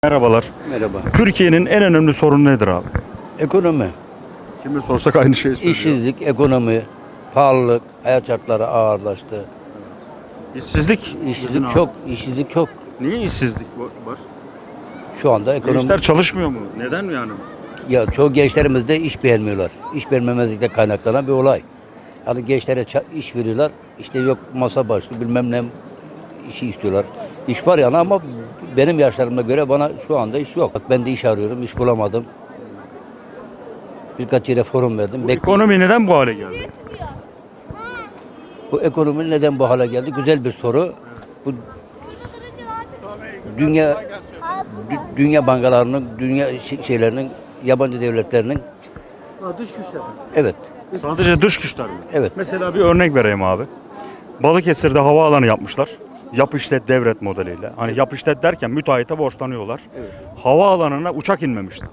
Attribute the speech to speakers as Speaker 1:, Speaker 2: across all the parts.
Speaker 1: Merhabalar.
Speaker 2: Merhaba.
Speaker 1: Türkiye'nin en önemli sorunu nedir abi?
Speaker 2: Ekonomi,
Speaker 1: Kime sorsak aynı şeyi söylüyor.
Speaker 2: işsizlik, ekonomi, pahalılık, hayat şartları ağırlaştı.
Speaker 1: İşsizlik.
Speaker 2: İşsizlik çok, işsizlik çok.
Speaker 1: Niye işsizlik var?
Speaker 2: Şu anda ekonomi,
Speaker 1: Gençler çalışmıyor mu? Neden yani?
Speaker 2: ya çoğu gençlerimiz de iş beğenmiyorlar. İş beğenmemezlikle kaynaklanan bir olay. Yani gençlere iş veriyorlar, işte yok masa başı bilmem ne işi istiyorlar. İş var yani ama benim yaşlarıma göre bana şu anda iş yok. Bak ben de iş arıyorum, iş bulamadım. Birkaç yere forum verdim.
Speaker 1: Ekonomi neden bu hale geldi?
Speaker 2: Bu ekonomi neden bu hale geldi? Güzel bir soru. Bu dünya bankalarının, dünya şeylerinin, yabancı devletlerinin
Speaker 3: Dış güçler.
Speaker 2: evet,
Speaker 1: Sadece dış güçler mi?
Speaker 2: evet.
Speaker 1: Mesela bir örnek vereyim abi. Balıkesir'de havaalanı yapmışlar. Yap işlet devret modeliyle. Hani yap işlet derken müteahhite borçlanıyorlar.
Speaker 2: Evet.
Speaker 1: Havaalanına uçak inmemişti.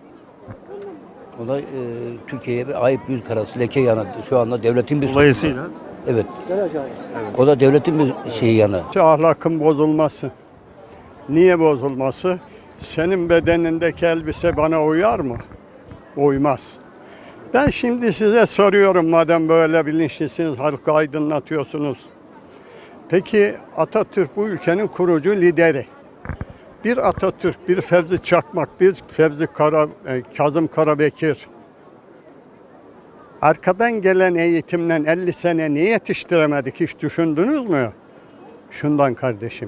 Speaker 2: O da Türkiye'ye bir ayıp yüz karası, leke yanı. Şu anda devletin bir
Speaker 1: Dolayısıyla
Speaker 2: evet. O da devletin bir şeyi yanı.
Speaker 3: Ahlakın bozulması. Niye bozulması? Senin bedenindeki elbise bana uyar mı? Uymaz. Ben şimdi size soruyorum madem böyle bilinçlisiniz, halkı aydınlatıyorsunuz. Peki Atatürk bu ülkenin kurucu lideri. Bir Atatürk, bir Fevzi Çakmak, bir Kazım Karabekir. Arkadan gelen eğitimle 50 sene niye yetiştiremedik hiç düşündünüz mü? Şundan kardeşim.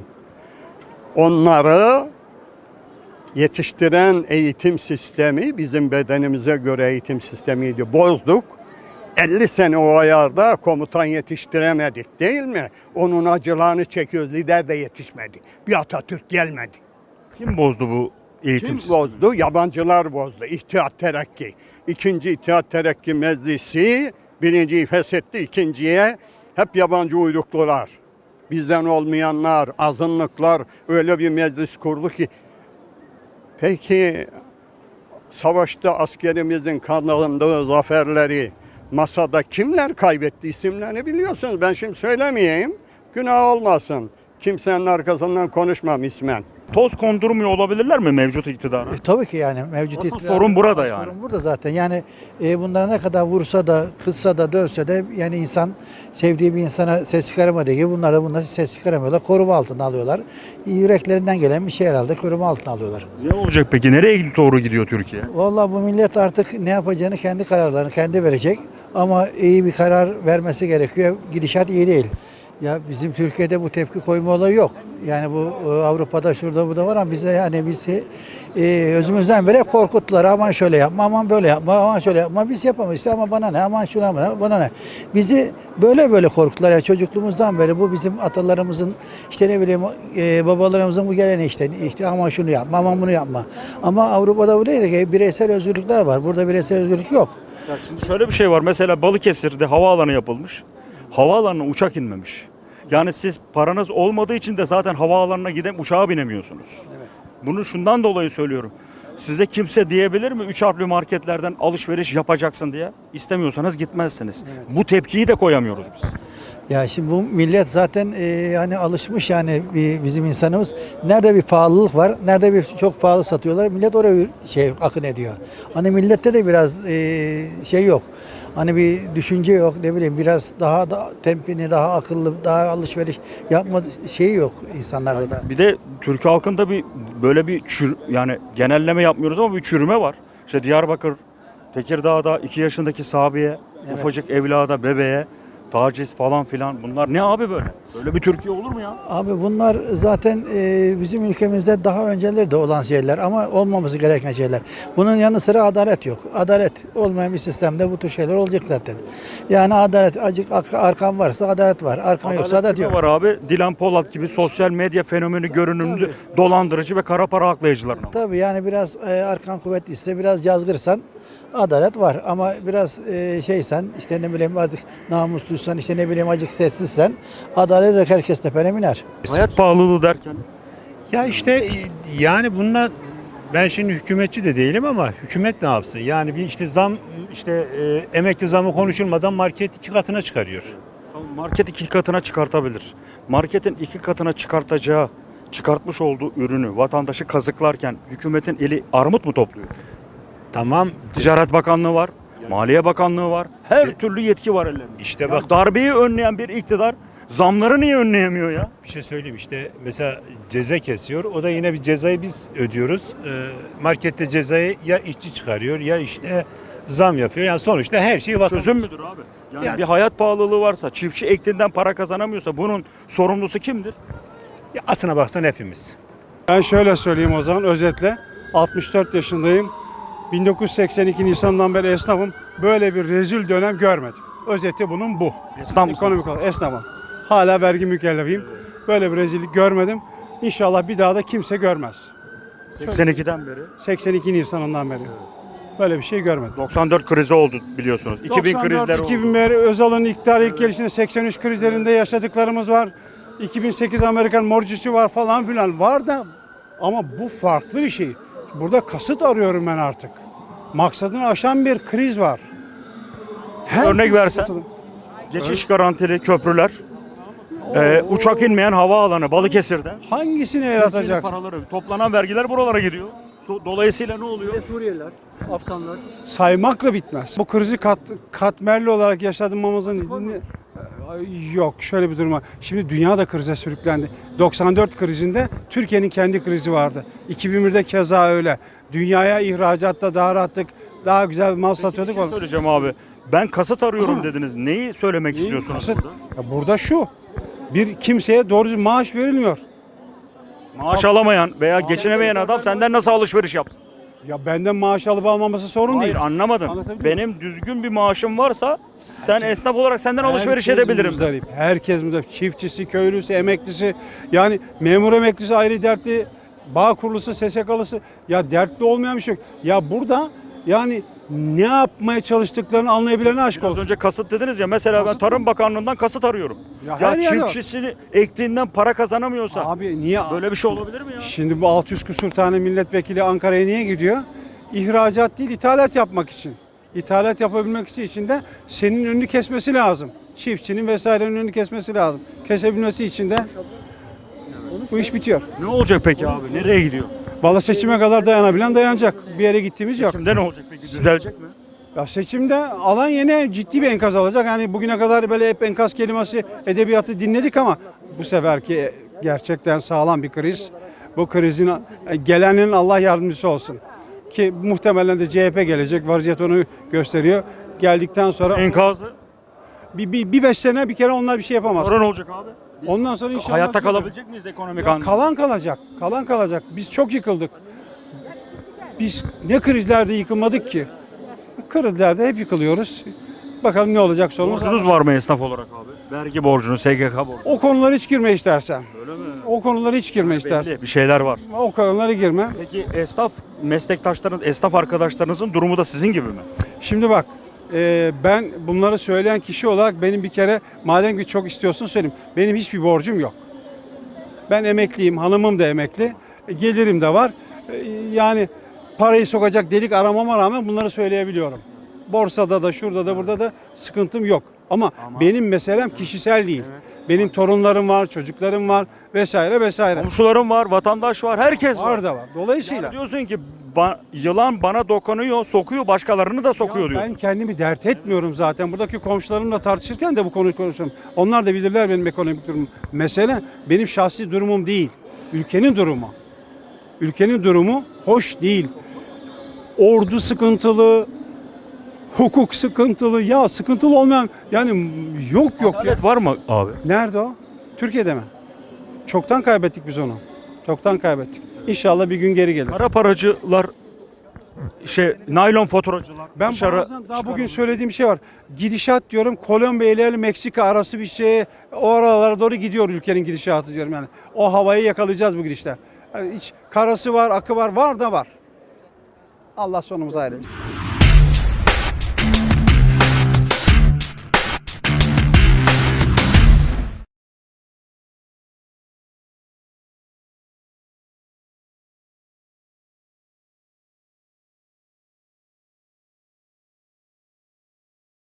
Speaker 3: Onları yetiştiren eğitim sistemi bizim bedenimize göre eğitim sistemiydi. Bozduk. 50 sene o ayarda komutan yetiştiremedik değil mi? Onun acılarını çekiyoruz. Lider de yetişmedi. Bir Atatürk gelmedi.
Speaker 1: kim bozdu bu eğitim
Speaker 3: Kim
Speaker 1: sistemi?
Speaker 3: bozdu? Yabancılar bozdu. İttihat Terakki. İkinci İttihat Terakki Meclisi birinciyi feshetti, ikinciye hep yabancı uyruklular. Bizden olmayanlar, azınlıklar öyle bir meclis kurdu ki. Peki savaşta askerimizin kazandığı zaferleri masada kimler kaybetti isimlerini biliyorsunuz. Ben şimdi söylemeyeyim. Günah olmasın. Kimsenin arkasından konuşmam ismen.
Speaker 1: Toz kondurmuyor olabilirler mi mevcut iktidara?
Speaker 4: Tabii ki yani mevcut
Speaker 1: Asıl
Speaker 4: iktidar-
Speaker 1: sorun burada
Speaker 4: asıl
Speaker 1: yani.
Speaker 4: Sorun burada zaten. Yani bunlara ne kadar vursa da, kızsa da, dövse de yani insan sevdiği bir insana ses çıkaramadığı gibi bunlar ses çıkaramıyorlar. Koruma altına alıyorlar. Yüreklerinden gelen bir şey herhalde koruma altına alıyorlar.
Speaker 1: Ne olacak peki? Nereye doğru gidiyor Türkiye?
Speaker 4: Vallahi bu millet artık ne yapacağını kendi kararlarını kendi verecek. Ama iyi bir karar vermesi gerekiyor. Gidişat iyi değil. Ya bizim Türkiye'de bu tepki koyma olayı yok. Yani bu Avrupa'da şurada bu da var ama bize yani bizi özümüzden beri korkuttular. Aman şöyle yapma, aman böyle yapma, aman şöyle yapma. Biz yapamayız ama bana ne, aman şuna ne, bana ne. Bizi böyle korkuttular. Yani çocukluğumuzdan beri bu bizim atalarımızın işte ne bileyim babalarımızın bu geleneği işte aman şunu yapma, aman bunu yapma. Ama Avrupa'da bu değil ki bireysel özgürlükler var. Burada bireysel özgürlük yok.
Speaker 1: Ya şimdi şöyle bir şey var. Mesela Balıkesir'de havaalanı yapılmış. Havaalanına uçak inmemiş. Yani siz paranız olmadığı için de zaten havaalanına gidip uçağa binemiyorsunuz.
Speaker 4: Evet.
Speaker 1: Bunu şundan dolayı söylüyorum. Size kimse diyebilir mi 3 harfli marketlerden alışveriş yapacaksın diye? İstemiyorsanız gitmezsiniz.
Speaker 4: Evet.
Speaker 1: Bu tepkiyi de koyamıyoruz biz.
Speaker 4: Ya şimdi bu millet zaten hani alışmış yani bizim insanımız. Nerede bir pahalılık var, nerede bir çok pahalı satıyorlar. Millet oraya akın ediyor. Hani millette de biraz şey yok. Hani bir düşünce yok ne bileyim biraz daha da tempini daha akıllı daha alışveriş yapma şeyi yok insanlarda da.
Speaker 1: Bir de Türk halkında böyle bir yani genelleme yapmıyoruz ama bir çürüme var. İşte Diyarbakır, Tekirdağ'da 2 yaşındaki Sabiye,
Speaker 4: Evet.
Speaker 1: ufacık evlada, bebeğe taciz falan filan. Bunlar ne abi böyle? Böyle bir Türkiye olur mu ya?
Speaker 4: Abi bunlar zaten bizim ülkemizde daha öncelerde olan şeyler ama olmaması gereken şeyler. Bunun yanı sıra adalet yok. Adalet olmayan bir sistemde bu tür şeyler olacak zaten. Yani adalet, acık arkan varsa adalet var. Arkan yoksa adalet
Speaker 1: Kime
Speaker 4: yok.
Speaker 1: var abi? Dilan Polat gibi sosyal medya fenomeni görünümlü dolandırıcı ve kara para aklayıcılarına. var.
Speaker 4: Tabii yani biraz arkan kuvvetliyse biraz yazgırsan adalet var ama biraz şeysen işte ne bileyim azıcık namusluysan işte ne bileyim azıcık sessizsen adalet herkes tepene biner.
Speaker 1: Hayat pahalılığı derken
Speaker 5: Ya işte yani bununla ben şimdi hükümetçi de değilim ama hükümet ne yapsın? Yani bir işte zam işte emekli zamı konuşulmadan market 2 katına çıkarıyor.
Speaker 1: market 2 katına çıkartabilir. Marketin 2 katına çıkartacağı çıkartmış olduğu ürünü vatandaşı kazıklarken hükümetin eli armut mu topluyor?
Speaker 5: Tamam.
Speaker 1: Ticaret Bakanlığı var, Maliye Bakanlığı var. Her türlü yetki var ellerinde.
Speaker 5: İşte
Speaker 1: Ya
Speaker 5: bak,
Speaker 1: darbeyi önleyen bir iktidar zamları niye önleyemiyor ya?
Speaker 5: bir şey söyleyeyim, işte mesela ceza kesiyor. O da yine bir cezayı biz ödüyoruz. Markette cezayı ya işçi çıkarıyor ya işte zam yapıyor. Yani sonuçta her şey vatandaş.
Speaker 1: Çözüm müdür abi? Yani
Speaker 5: Yani-
Speaker 1: bir hayat pahalılığı varsa, çiftçi ektiğinden para kazanamıyorsa bunun sorumlusu kimdir?
Speaker 5: Ya aslına baksan hepimiz.
Speaker 6: Ben şöyle söyleyeyim o zaman özetle. 64 yaşındayım. 1982 Nisan'dan beri esnafım. Böyle bir rezil dönem görmedim. Özeti bunun bu.
Speaker 1: Esnaf mısınız?
Speaker 6: Ekonomik olarak esnafım. Hala vergi mükellefiyim. Böyle bir rezillik görmedim. İnşallah bir daha da kimse görmez.
Speaker 1: 82'den beri.
Speaker 6: 82 Nisan'ından beri. Böyle bir şey görmedim.
Speaker 1: 94 krizi oldu biliyorsunuz. 2000 krizler oldu.
Speaker 6: 2000 beri Özal'ın iktidar ilk gelişinde 83 krizlerinde yaşadıklarımız var. 2008 Amerikan mortgage'ı var falan filan var da ama bu farklı bir şey. Burada kasıt arıyorum ben artık. Maksadını aşan bir kriz var.
Speaker 1: Örnek versen?
Speaker 6: sıkıntılı.
Speaker 1: Geçiş garantili köprüler, uçak inmeyen havaalanı Balıkesir'de.
Speaker 6: Hangisini el
Speaker 1: Türkiye'nin
Speaker 6: atacak?
Speaker 1: paraları, toplanan vergiler buralara gidiyor. Dolayısıyla ne oluyor?
Speaker 6: Saymakla bitmez. Bu krizi katmerli olarak yaşadığımızın yok şöyle bir durum var. Şimdi dünya da krize sürüklendi. 94 krizinde Türkiye'nin kendi krizi vardı. 2001'de keza öyle. Dünyaya ihracatta daha rahattık, daha güzel mal
Speaker 1: Bir
Speaker 6: satıyorduk.
Speaker 1: şey söyleyeceğim abi. Ben kasıt arıyorum dediniz. Neyi söylemek
Speaker 6: Neyi
Speaker 1: istiyorsunuz
Speaker 6: kasıt?
Speaker 1: burada?
Speaker 6: Ya burada şu. Bir kimseye doğru düzgün maaş verilmiyor.
Speaker 1: Maaş alamayan veya geçinemeyen adam senden nasıl alışveriş yapsın?
Speaker 6: Ya benden maaş alıp almaması sorun
Speaker 1: Hayır
Speaker 6: değil.
Speaker 1: anlamadım.
Speaker 6: Anlatabiliyor
Speaker 1: Benim düzgün bir maaşım varsa sen esnaf olarak senden alışveriş
Speaker 6: Herkes
Speaker 1: edebilirim.
Speaker 6: muzdarip. Herkes muzdarip. Çiftçisi, köylüsü, emeklisi. Yani memur emeklisi ayrı dertli. Bağ kurulusu, SSK'lısı. Ya dertli olmayan bir şey yok. Ya burada yani ne yapmaya çalıştıklarını anlayabilene aşk
Speaker 1: Az
Speaker 6: olsun.
Speaker 1: önce kasıt dediniz ya mesela ben
Speaker 6: Kasıt
Speaker 1: Tarım Bakanlığı'ndan kasıt arıyorum.
Speaker 6: Ya
Speaker 1: Ya
Speaker 6: her yer yok.
Speaker 1: çiftçisini ektiğinden para kazanamıyorsa
Speaker 6: Abi niye?
Speaker 1: böyle bir şey olabilir mi ya?
Speaker 6: Şimdi bu 600 küsur tane milletvekili Ankara'ya niye gidiyor? İhracat değil, ithalat yapmak için. İthalat yapabilmek için de senin önünü kesmesi lazım. Çiftçinin vesairenin önünü kesmesi lazım. Kesebilmesi için de bu iş bitiyor.
Speaker 1: Ne olacak peki abi? Nereye gidiyor?
Speaker 6: Vallahi seçime kadar dayanabilen dayanacak. Bir yere gittiğimiz yok.
Speaker 1: Şimdi ne olacak peki? Düzelecek mi?
Speaker 6: Ya seçimde alan yine ciddi bir enkaz alacak. Yani bugüne kadar böyle hep enkaz kelimesi edebiyatı dinledik ama bu seferki gerçekten sağlam bir kriz. Bu krizin gelenin Allah yardımcısı olsun. Ki muhtemelen de CHP gelecek. Vaziyet onu gösteriyor. Geldikten sonra
Speaker 1: Enkazı.
Speaker 6: bir 5 sene bir kere onlar bir şey yapamaz.
Speaker 1: Sonra ne olacak abi?
Speaker 6: Ondan sonra inşallah
Speaker 1: Hayatta kalabilecek miyiz ekonomik anlamda?
Speaker 6: kalan kalacak. Kalan kalacak. Biz çok yıkıldık. Biz ne krizlerde yıkılmadık ki? Krizlerde hep yıkılıyoruz. Bakalım ne olacak sonumuz.
Speaker 1: Borcunuz var mı esnaf olarak abi? Vergi borcunu, SGK borcunu.
Speaker 6: O konulara hiç girme istersen.
Speaker 1: Öyle mi?
Speaker 6: O konulara hiç girme istersen.
Speaker 1: Belli bir şeyler var.
Speaker 6: O konulara girme.
Speaker 1: Peki esnaf meslektaşlarınız, esnaf arkadaşlarınızın durumu da sizin gibi mi?
Speaker 6: Şimdi bak ben bunları söyleyen kişi olarak benim bir kere madem ki çok istiyorsun söyleyeyim. Benim hiçbir borcum yok. Ben emekliyim, hanımım da emekli. Gelirim de var. Yani parayı sokacak delik aramama rağmen bunları söyleyebiliyorum. Borsada da şurada da burada da sıkıntım yok. Ama benim meselem kişisel değil. Benim torunlarım var, çocuklarım var vesaire vesaire.
Speaker 1: Komşularım var, vatandaş var, herkes var.
Speaker 6: Var da var. Dolayısıyla
Speaker 1: Yani diyorsun ki yılan bana dokunuyor, sokuyor, başkalarını da sokuyor
Speaker 6: ya
Speaker 1: diyorsun.
Speaker 6: ben kendimi dert etmiyorum zaten. Buradaki komşularımla tartışırken de bu konuyu konuşuyorum. Onlar da bilirler benim ekonomik durumumu. Mesele benim şahsi durumum değil. Ülkenin durumu. Ülkenin durumu hoş değil. Ordu sıkıntılı, hukuk sıkıntılı. Ya sıkıntılı olmayan yani yok ya.
Speaker 1: Adalet var mı abi?
Speaker 6: Nerede o? Türkiye'de mi? Çoktan kaybettik biz onu. Çoktan kaybettik. İnşallah bir gün geri gelir.
Speaker 1: Kara paracılar, naylon faturacılar.
Speaker 6: Ben
Speaker 1: dışarı
Speaker 6: bazen daha bugün
Speaker 1: çıkarılıyor.
Speaker 6: söylediğim şey var. Gidişat diyorum Kolombiya ile Meksika arası bir şey o aralara doğru gidiyor ülkenin gidişatı diyorum yani. O havayı yakalayacağız bu gidişte. Yani hiç karası var, akı var da var. Allah sonumuzu hayretsin.